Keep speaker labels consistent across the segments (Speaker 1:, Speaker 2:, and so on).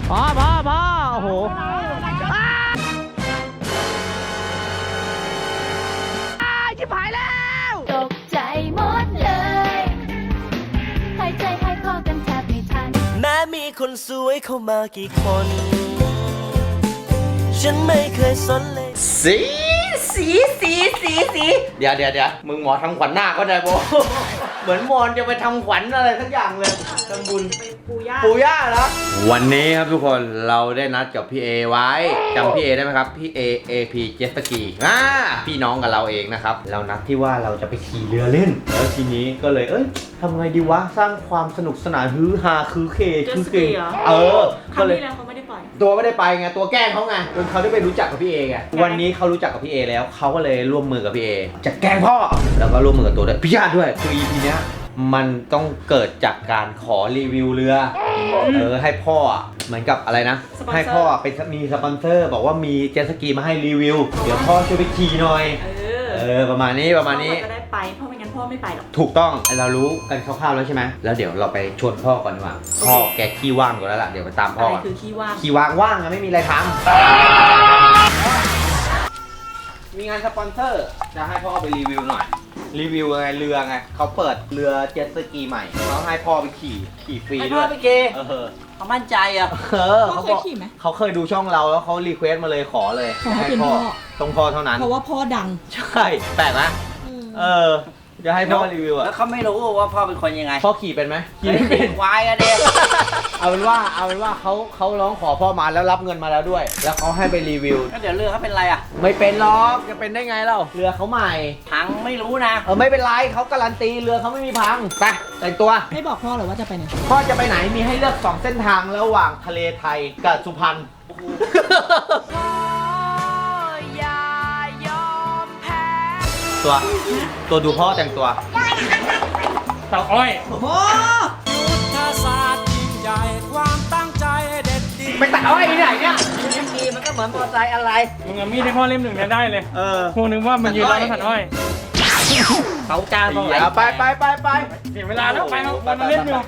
Speaker 1: พอโอ้โหชิบหายแล้ว
Speaker 2: ตกใจหมดเลยหายใจหายคอกันแทบไม่ทัน
Speaker 3: แม้มีคนสวยเข้ามากี่คน ฉันไม่เคยสนเลย
Speaker 1: สีเดี๋ยวมึงหมอทำขวัญหน้าก็ได้โบ เหมือนมอนจะไปทำขวัญอะไรทั้งอย่างเลยทำบุญปูย่าแล้ววันนี้ครับทุกคนเราได้นัดกับพี่เอไว้จำพี่เอได้ไหมครับพี่เอ AP เจ็ตสกีพี่น้องกับเราเองนะครับเรานัดที่ว่าเราจะไปขี่เรือเล่นแล้วทีนี้ก็เลยทำไงดีวะสร้างความสนุกสนานฮือฮาคือเคก็เลย
Speaker 4: เขาไม่ได้ปล่อย
Speaker 1: ตัวไม่ได้ไปไงตัวแกล้งเขาไงจนเขาได้ไปรู้จักกับพี่เอไงวันนี้เขารู้จักกับพี่เอแล้วเขาก็เลยร่วมมือกับพี่เอจะแกล้งพ่อแล้วก็ร่วมมือกับตัวด้วยพี่ญาติด้วยคือ EP เนี้ยมันต้องเกิดจากการขอรีวิวเรือให้พ่อเหมือนกับอะไรนะให้พ่อเป็นมีสปอนเซอร์บอกว่ามีเจ็ตสกีมาให้รีวิวเดี๋ยวพ่อช่วยไปขี่หน่อยประมาณนี้
Speaker 4: พ่อจะได้ไปเพราะไม่งั้นพ่อไม่ไปหรอก
Speaker 1: ถูกต้องเรารู้กันคร่าวๆแล้วใช่ไหมแล้วเดี๋ยวเราไปชวนพ่อก่อนดีกว่าพ่อแกขี้ว่างอยู่แล้วล่ะเดี๋ยวไปตามพ่อ
Speaker 4: อะไรคือขี้ว่าง
Speaker 1: ว่างอะไม่มีอะไรทำมีงานสปอนเซอร์จะให้พ่อไปรีวิวหน่อยรีวิวไงเรือไงเขาเปิดเรือเจ็ตสกีใหม่เขาให้พ่อไปขี่ฟรีด้วย
Speaker 3: ให้พ่อไปเกเขามั่นใจอ่ะ
Speaker 4: เขาเคยขี่ไหม
Speaker 1: เขาเคยดูช่องเราแล้วเขารีเควสมาเลยขอเลย
Speaker 4: ให้พ่อ
Speaker 1: ต้องพ่อเท่านั้น
Speaker 4: เพราะว่าพ่อดัง
Speaker 1: ใช่แปลกนะจะให้พ่อรีวิวอะ
Speaker 3: แล้วเขาไม่รู้ว่าพ่อเป็นคนยังไง
Speaker 1: พ่อขี่เป็นไหม
Speaker 3: ขี่ไม่เป็นควายอะเด็ก
Speaker 1: เอาเป็นว่าเขาร้องขอพ่อมาแล้วรับเงินมาแล้วด้วยแล้วเขาให้ไปรีวิว
Speaker 3: ก็เดี๋ยวเรือเขาเป็นไรอะ
Speaker 1: ไม่เป็นหรอกจะเป็นได้ไงเล่าเรือเขาใหม่
Speaker 3: พังไม่รู้นะ
Speaker 1: ไม่เป็นไรเขาการันตีเรือเขาไม่มีพังไปแต่งตัว
Speaker 4: ไม่บอกพ่อหรอว่าจะไปไหน
Speaker 1: พ่อจะไปไหนมีให้เลือก2เส้นทางระหว่างทะเลไทยกับสุพรรณตัวดูพ่อแต่งตัว
Speaker 5: เต่าอ้อย
Speaker 4: พ่อ
Speaker 3: ยุทธศาสตร์ยิ่งใหญ่ความตั้งใจเด็ดดี
Speaker 1: ไปตัดอ้อยที่ไหนเนี่ยมีมันก็เหมือนมอเตอร์ไซค์อะไร
Speaker 5: มึงเอามีดให้พ่อเล่มหนึ่งเนี่ยได้เลยพวกนึงว่ามันยืนรอแล้วตัดอ้อย
Speaker 1: เขาจ้างตรงไหนไป
Speaker 5: เสียเวลาแล้วไปมาเล่นอยู่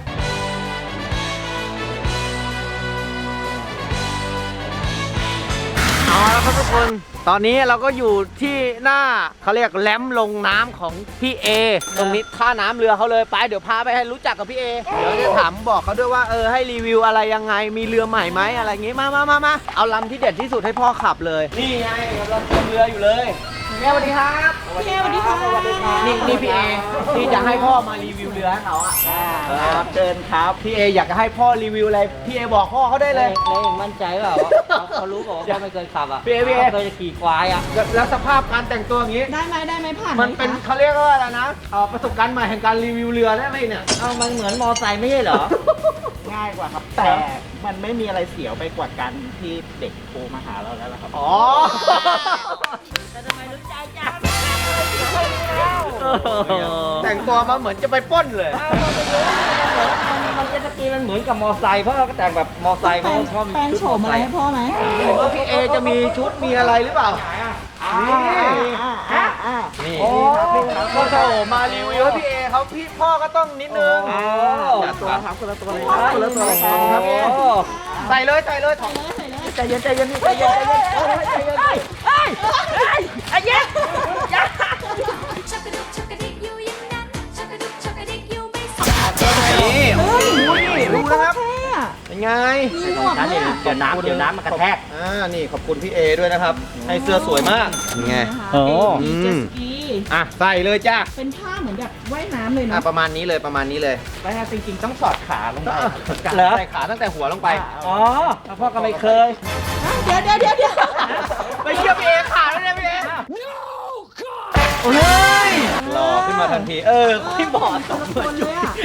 Speaker 1: เอาละครับทุกคนตอนนี้เราก็อยู่ที่หน้าเขาเรียกแหลมลงน้ำของพี่เอตรงนี้ท่าน้ำเรือเขาเลยไปเดี๋ยวพาไปให้รู้จักกับพี่เอเดี๋ยวจะถามบอกเขาด้วยว่าให้รีวิวอะไรยังไงมีเรือใหม่ไหมอะไรอย่างงี้มาเอาลำที่เด็ดที่สุดให้พ่อขับเลยนี่ไงเราเตรียมเรืออยู่เลยแม่สวัสดีครับ
Speaker 4: พี่เอสวัสดีค่ะ
Speaker 1: นี่พี่เอที่จะให้พ่อมารีวิวเรือให้เขาอ่ะ
Speaker 3: ครับเชิญครับ
Speaker 1: พี่เออยากจะให้พ่อรีวิวอะไรพี่เอบอกพ่อเขาได้เลย
Speaker 3: มั่นใจเปล่าเขารู้บอกว่าพ่อไม่เคยขับอ่ะ
Speaker 1: พี่เอ
Speaker 3: เคยขี่ควายอ่ะ
Speaker 1: แล้วสภาพการแต่งตัวอย่างนี้
Speaker 4: ได้ไหมผ่าน
Speaker 1: มันเป็นเขาเรียกว่าอะไรนะประสบการณ์ใหม่แห่งการรีวิวเรือได้ไหมเนี่ย
Speaker 3: มันเหมือนมอไซค์ไม่ใช่เหรอ
Speaker 6: ง่ายกว่าครับแต่มันไม่มีอะไรเสียวไปกว่าการที่เด็กโทรมาหาเราแล้วครับ
Speaker 3: แต่ทำไมรู้ใจจัง
Speaker 1: แต่งตัวมาเหมือนจะไปปล้นเลย
Speaker 3: มันเจ็ตสกีมันเหมือนกับมอไซค์เพราะเราก็แต่งแบบมอไซค์เพราะชอบ
Speaker 4: แปลงโฉมอะไรให้พ่อไหม
Speaker 1: ว่าพี่เอจะมีชุดมีอะไรหรือเปล่านี่พ่อโฉมมารีวิวให้พี่เอเขาพี่พ่อก็ต้องนิดนึง
Speaker 6: ตัวครับคนละตัวเลย
Speaker 1: คนละตัวครับพี่ใส่เลยใจเย็นใจเย็นไอ้เย็นนี่รู้นะครับเป็นไง
Speaker 3: เดี๋ยวน้ำมันกระแทก
Speaker 1: นี่ขอบคุณพี่เอด้วยนะครับให้เสื้อสวยมากไง
Speaker 4: เจสกี
Speaker 1: ใส่เลยจ้า
Speaker 4: เป็นผ้าเหมือนแบบว่ายน้ำเลยนะ
Speaker 1: ประมาณนี้เลย
Speaker 6: แล้วจริงๆต้องสอดขาลงไป
Speaker 1: ใส่ขาตั้งแต่หัวลงไป
Speaker 3: พ่อก็ไม่เคย
Speaker 4: เดี๋ยว
Speaker 1: ไปเชื่อพี่เอขาแล้วเนี่ยพี่เอโอ้ยหล่อขึ้นมาทันทีพี่บอด
Speaker 4: สมเหมือนเลยอ่ะ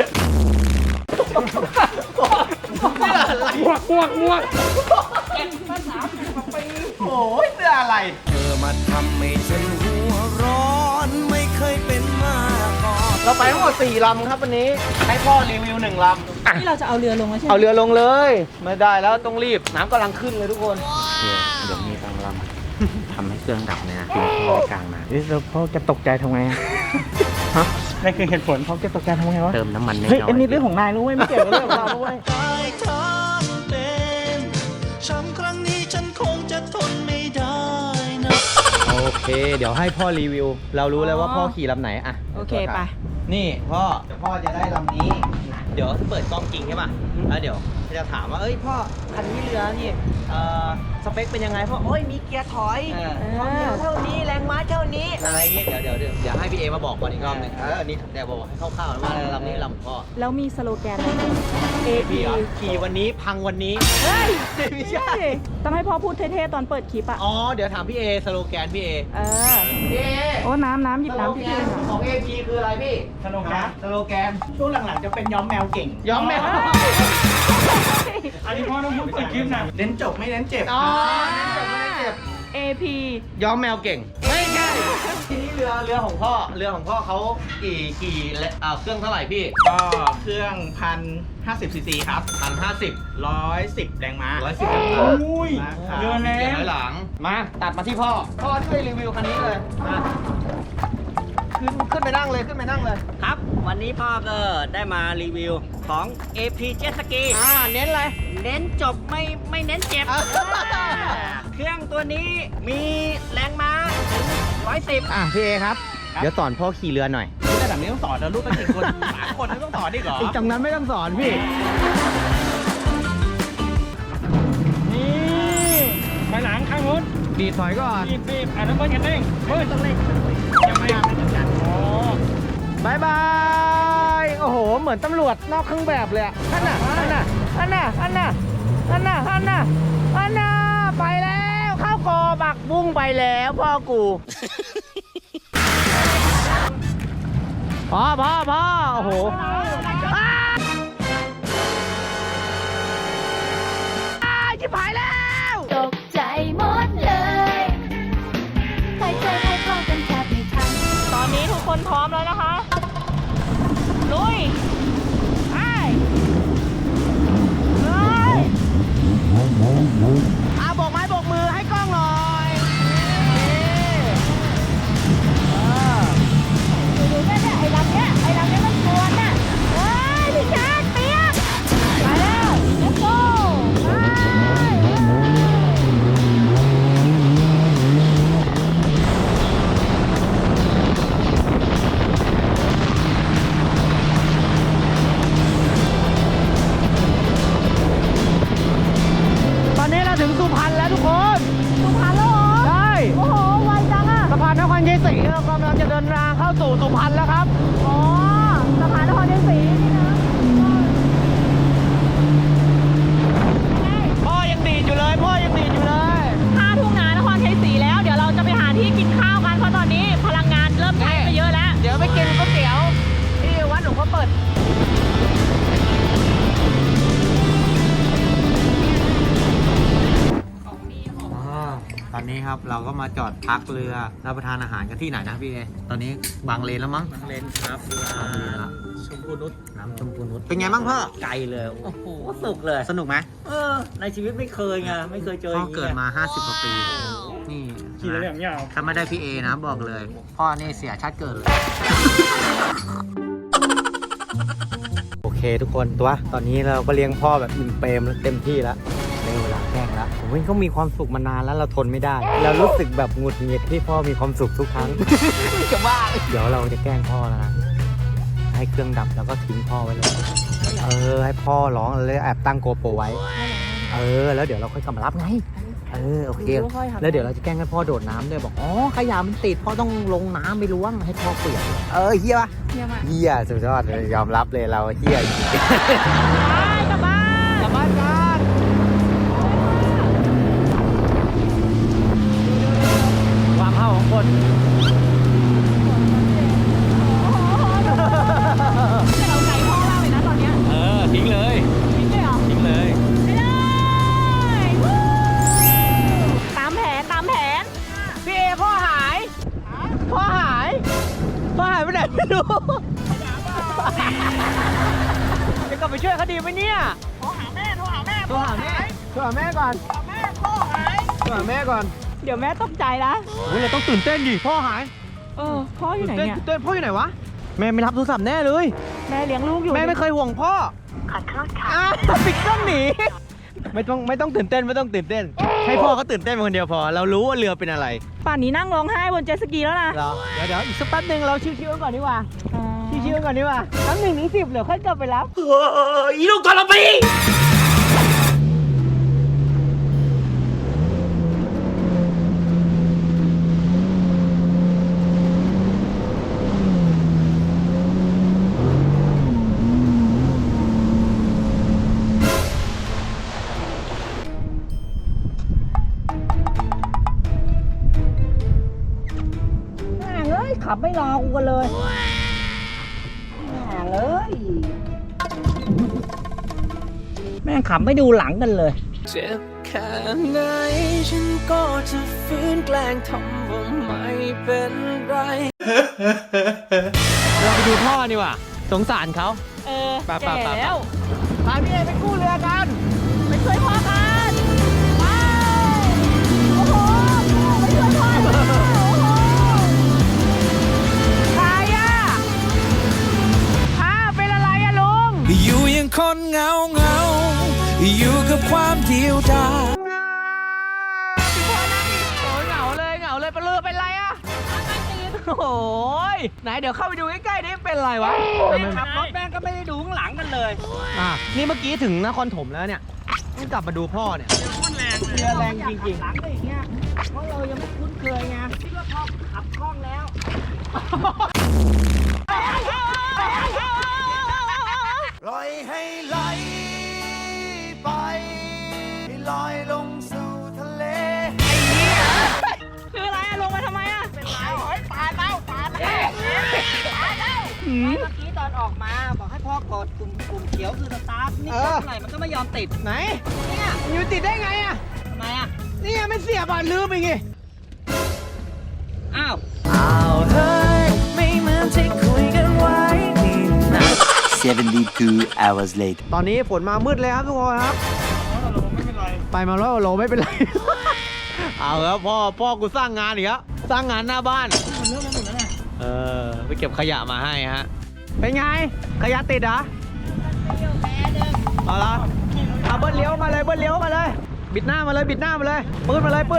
Speaker 5: มวก
Speaker 4: เก็บมา30 ปี
Speaker 1: โอ้ยเสื้ออะไร
Speaker 3: มาทำให้ฉันหัวร้อนไม่เคยเป็นมาก่อน
Speaker 1: เราไปทั้งหมด4 ลำครับวันนี้ให้พ่อรีวิว1 ลำ
Speaker 4: ที่เราจะเอาเรือลงแล้วใช่ไหม
Speaker 1: เอาเรือลงเลยไม่ได้แล้วต้องรีบน้ำกำลังขึ้นเลยทุกคน
Speaker 6: เดี๋ยวมีบางลำทำให้เครื่องดับเลยนะคุณพ่อกลางมาแล้วพ่อจะตกใจทำไงฮะ
Speaker 5: นั่นคือเหตุผล
Speaker 6: พ่อจะตกใจทำไงวะ
Speaker 1: เติมน้ำมัน
Speaker 6: เฮ้ยอันนี้เรื่องของนายรู้ไหมไม่เกี่ยวกับเรื่องของเราด้วย
Speaker 1: เค เดี๋ยวให้พ่อรีวิว เรารู้แล้วว่าพ่อขี่ลำไหนอะ
Speaker 4: โอเคไป
Speaker 1: นี่พ่อเดี๋ยวพ่อจะได้ลำนี้ เดี๋ยวเปิดกล้องจริงใช่ป่ะแล้วเดี๋ยวจะถามว่าเอ้ยพ่อคันนี้เรือนี่สเปคเป็นยังไงพ่อโอ้ยมีเกียร์ถอยความเร็วเท่านี้แรงม้าเท่านี้อะไรเงี้ยเดี๋ยวให้พี่เอมาบอกก่อนอีกรอบหนึงอันนี้เดี๋ยวบอกให้คร่าวๆว่าลำนี้ลำของพ่อ
Speaker 4: แล้วมีสโลแกนอะไร
Speaker 1: AP ขี่วันนี้พังวันนี้
Speaker 4: เฮ้ย
Speaker 1: ไม่ใช่
Speaker 4: ต้องให้พ่อพูดเท่ๆตอนเปิดคลิปอ่ะ
Speaker 1: อ๋อเดี๋ยวถามพี่เอสโลแกนพี่เอ พี่เอ
Speaker 4: โอ้น้ำหยิบน้ำพี่
Speaker 1: สโลแกนของ AP คืออะไรพี่
Speaker 5: สโลแกน
Speaker 1: สโลแกน
Speaker 5: ช่วงหลังๆจะเป็นย้อมแมวเก่ง
Speaker 1: ย้อมแมว
Speaker 5: อันนี้พ่อต้องพูดเป็นคลิปนะเน้นจบไม่เน้นเจ็บ
Speaker 1: อ๋อไม่ได้เจ็บ
Speaker 4: AP
Speaker 1: ย้อมแมวเก่ง ไม่ใช่ทีนี้เรือของพ่อเขากี่เครื่องเท่าไหร่พี่
Speaker 5: ก็เครื่อง1,050 ซีซีครับ
Speaker 1: 1,050
Speaker 5: 110 แรงม้า
Speaker 1: 110แรงม้า
Speaker 5: อุ้ยเรือแล้
Speaker 1: เกียร์ถอยหลังมาตัดมาที่พ่อช่วยรีวิวคันนี้เลยมาขึ้นไปนั่งเลย
Speaker 6: ครับ วันนี้พ่อก็ได้มารีวิวของ AP Jet Ski
Speaker 1: เน้นอะไร
Speaker 6: เน้นจบไม่เน้นเจ็บ เครื่องตัวนี้มีแรงม้าถึง110
Speaker 1: พี่เอครับ เดี๋ยวสอนพ่อขี่เรือหน่อย
Speaker 5: ระดับนี้ต้องสอนแล้วลูกเป็นกี่คน 3 คนไม่ต้องสอนดิเหรอ
Speaker 1: อีกตรงนั้นไม่ต้องสอนพี่
Speaker 5: นี่ไปหลังข้างนู้น
Speaker 1: ดีดถอยก่อน
Speaker 5: บีบน้ำมันกันเร่งเฮ้ยต้องเร่งยังไม่ไม่จัดอ๋อบ
Speaker 1: ายบาย โอ้โห เหมือนตำรวจนอกเครื่องแบบเลยอะนั่นน่ะ ไปแล้วเข้าคอบักบุ้งไปแล้วพ่อกูพ่อโอ้โหชิบหายแล้ว
Speaker 2: ตกใจหมดเลยใครใจให้เข้ากันแทบไม่ทัน
Speaker 4: ตอนนี้ทุกคนพร้อมแล้วนะคะ ลุยไปเลย
Speaker 1: บอกไม้บอกมือให้กล้องหน่อยนี่
Speaker 2: ดูเนี่ยไอ้ลำเนี้ยมันกวนน่ะเฮ้ยพี่ชาติเปียกไปแล้ว let's go
Speaker 1: ตอนนี้เราถึงสุพรรณแล้วทุกคน
Speaker 2: สุพรรณแล้วเหรอ
Speaker 1: ใช่
Speaker 2: โอ้โหไวจังอ่ะ
Speaker 1: สะพานนครชัยศรีเรากำลังจะเดินทางเข้าสู่สุพรรณแล้วครับ
Speaker 2: อ๋อสะพานนครชัยศรีนี่นะ
Speaker 1: พ่อยังดีดอยู่เลย
Speaker 4: ถ้าทุ่งนานครชัยศรีแล้ว เดี๋ยวเราจะไปหาที่กินข้าวกันเพราะตอนนี้พลังงานเริ่มใช้ไปเยอะแล้ว
Speaker 1: เดี๋ยวไปกินก๋วยเตี๋ยวที่วัดหลวงพ่อเปิด ตอนนี้ครับเราก็มาจอดพักเรือรับประทานอาหารกันที่ไหนนะพี่เอตอนนี้บางเลนแล้วมั้ง
Speaker 6: เลนครับ
Speaker 1: บางเลนแล้ว
Speaker 6: ชมพูนุช
Speaker 1: น้ำชมพูนุชเป็นไงบ้างพ่อ
Speaker 6: ไกลเลย โอ้โหสุกเลย
Speaker 1: สนุกไหม
Speaker 6: ในชีวิตไม่เคยไง ไม่เคยเจอ
Speaker 1: พ่
Speaker 6: อ
Speaker 1: อย่าง
Speaker 6: งี้
Speaker 1: เกิดมา 50 กว่าปี นี่
Speaker 5: ขี่แล้วอย่างยาว
Speaker 1: ถ้าไม่ได้พี่เอนะบอกเลย พ่อนี่เสียชาติเกิดเลย โอเคทุกคนตอนนี้เราก็เลี้ยงพ่อแบบอิ่มเปรมเต็มที่แล้วในเวลาแกล้งแล้วผมว่าเขามีความสุขมานานแล้วเราทนไม่ได้ เรารู้สึกแบบหงุดหงิดที่พ่อมีความสุขทุกครั้ง จะบ้าเดี๋ยวเราจะแกล้งพ่อแล้วนะให้เครื่องดับแล้วก็ทิ้งพ่อไว้เลยให้พ่อร้องแล้วแอบตั้งโกโปรไว้แล้วเดี๋ยวเราค่อยกลับมารับไงโอเคแล้วเดี๋ยวเราจะแกล้งให้พ่อโดดน้ำด้วยบอกอ๋อขยะมันติดพ่อต้องลงน้ำไปล้วงให้พ่อเปียกเฮียปะ
Speaker 4: เยี่ยมมาก
Speaker 1: เฮียสุดยอดเลยยอมรับเลยเราเฮียจริง
Speaker 4: กลับบ้าน
Speaker 1: กลับบ้านกันความเข้าของคน
Speaker 4: แต่เราไก่พ่อมากเลยนะตอนเนี้ย
Speaker 1: ทิ้งเลย
Speaker 4: ทิ้งเลยเหรอ
Speaker 1: ทิ้งเลย
Speaker 4: ไปเลยวู้ตามแผน
Speaker 1: พี่เอพ่อหายไปไหนไม่รู้จะกลับไปช่วยเขาดีไหมเนี่ยโทรหาแม่ก่อนโทรหาแม่ก่อน
Speaker 4: เดี๋ยวแม่ตกใจนะ
Speaker 1: เราต้องตื่นเต้นดิพ่อหาย
Speaker 4: พ่ออยู่ไหนเนี่ย
Speaker 1: ตื่นเต้นพ่ออยู่ไหนวะแม่ไม่รับโทรศัพท์แน่เลย
Speaker 4: แม่เลี้ยงลูกอยู่
Speaker 1: แม่ไม่เคยห่วงพ่อขอโทษค่ะปิดเครื่องหนีไม่ต้องตื่นเต้นให้พ่อเขาตื่นเต้นเป็นคนเดียวพอ เรารู้ว่าเรือเป็นอะไร
Speaker 4: ป่านนี้นั่งร้องไห้บนเจ็ตสกีแล้วนะ
Speaker 1: เหรอเดี๋ยวอีกสักแป๊บนึงเราชิวๆกันก่อนดีกว่าชิวๆกันก่อนดีกว่าทั้ง1 ถึง 10เดี๋ยวค่อยกลับไปรับอีลูกกระปีขับไม่รอกูกันเลยแม่งขับไม่ดูหลังกันเลย
Speaker 3: เจ็บแค่ไหนฉันก็จะฟื้นแกล้งทำว่าไม่เป็นไร
Speaker 1: เราไปดูพ่อดีกว่าสงสารเขา
Speaker 4: แก่แล้ว
Speaker 1: พาพี่เอไปกู้เรือกัน
Speaker 4: ไปช่วยพ่อกันไปโอ้โหไปช่วยพ่อกันโอ้โหใครอ่ะเป็นอะไรอะลุง
Speaker 3: อยู่ยังคนเหงาอยู่กับความเดียวดาย
Speaker 1: เหงาเลยปลาเรือเป็นไรอะโอ้ยไหนเดี๋ยวเข้าไปดูใกล้ๆนี่เป็นไรวะ
Speaker 6: ขับรถแม่งก็ไม่ได้ดูข้างหลังกันเลย
Speaker 1: นี่เมื่อกี้ถึงนครถมแล้วเนี่ยต้องกลับมาดูพ่อเนี่ยเรือแรงจริง
Speaker 6: หลังก็อย่างเงี้ยเพราะเรายังไม่คุ้นเคยไงคิดว่าพอขับคล่องแล้ว
Speaker 3: ปล่อยให้ไหลไปให้ลอยลงสู่ทะเล
Speaker 4: คืออะไรอะลงมาทำไมอะ
Speaker 6: ตายแล้วเมื่อกี้ตอนออกมาบอกให้พ่อกดปุ่มเขียวคือสตาร์ทนี่กดเท่าไหร่มันก็ไม่ยอมติด
Speaker 1: ๆไหน
Speaker 6: เนี่ย
Speaker 1: อยู่ติดได้ไงอะ
Speaker 6: ทำไมอ่ะ
Speaker 1: นี่ไม่เสียบอ่ะลืมอีกไง
Speaker 6: อ้าว
Speaker 3: เฮ้ยไม่เหมือนที่คุยกันไว้นี่นะ
Speaker 7: 72 hours later.
Speaker 1: ตอนนี้ฝนมามืดเลยครับทุกคนครับ ไปมา100 กว่าโลไม่เป็นไร เอาครับพ่อกูสร้างงานอีกแล้วสร้างงานหน้าบ้านไปเก็บขยะมาให้ฮะเป็นไงขยะติดเหรอเอาละเอาเบิ้ลเลี้ยวมาเลยบิดหน้ามาเลยปืนมาเลย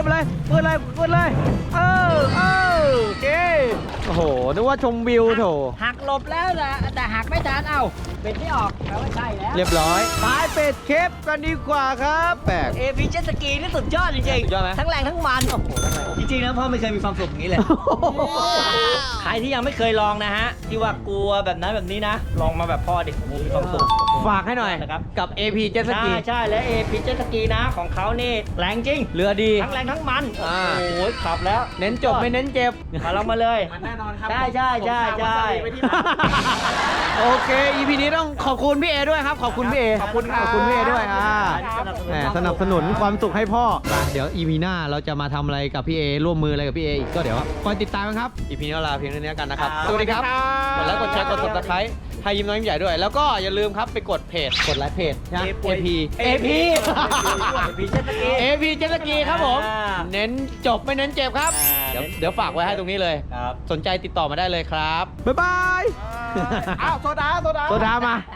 Speaker 1: โอเคโอ้โหนึกว่าชมวิวโถ
Speaker 6: หักหลบแล้วแต่หักไม่ทันเอ้าเป็นไม่ออกแปลว่าใช่แล้ว
Speaker 1: เรียบร้อยไปเป็ดเคปกันดีกว่าครับแปลก
Speaker 6: เอพีเจ็ตสกีนี่สุดยอดจริง
Speaker 1: สุดยอดไหม
Speaker 6: ทั้งแรงทั้งมันโอ้โหจริงๆแล้วพ่อไม่เคยมีความสุขอย่างนี้เลย ใครที่ยังไม่เคยลองนะฮะที่ว่ากลัวแบบนั้นแบบนี้นะ ลองมาแบบพ่อดิผมมีความสุข
Speaker 1: ฝากให้หน่อย
Speaker 6: นะครับ
Speaker 1: กับ AP Jet Ski
Speaker 6: ใช่และเอพีเจ็ตสกีนะของเขานี่แรงจริง
Speaker 1: เรือดี
Speaker 6: ทั้งแรงทั้งมัน
Speaker 1: อ่า
Speaker 6: โอ้ยขับแล้ว
Speaker 1: เน้นจบไม่เน้นเจ็บ
Speaker 6: มาลองมาเลย
Speaker 5: มันแน่นอนครับ
Speaker 6: ใช่
Speaker 1: โอเค EP นี้ต้องขอบคุณพี่เอด้วยครับ ขอบคุณพี่เอ
Speaker 6: ขอบคุณครับ
Speaker 1: พี่เอด้วย
Speaker 6: ครับ
Speaker 1: แหมสนับสนุนความสุขให้พ่อไปเดี๋ยว EP หน้าเราจะมาทำอะไรกับพี่เอร่วมมืออะไรกับพี่เออีกก็เดี๋ยวคอยติดตามกันครับ EP นี้เราลาเพียงเท่านี้กันนะครับ สวัสดีครับกดไลค์กดแชร์กด subscribe ให้ยิ้มน้อยยิ้มใหญ่ด้วย แล้วก็อย่าลืมครับไปกดเพจกดไลค์เพจนะ AP AP
Speaker 6: AP Jet Ski
Speaker 1: AP Jet Ski ครับผม
Speaker 6: อ่า
Speaker 1: เน้นจบไม่เน้นเจ็บครับ เดี๋ยวฝากไว้ให้ตรงนี้เลย
Speaker 6: ครับ
Speaker 1: สนใจติดต่อมาได้เลยครับ บ๊ายบาย
Speaker 5: อ้าวโซดา
Speaker 1: โซดามา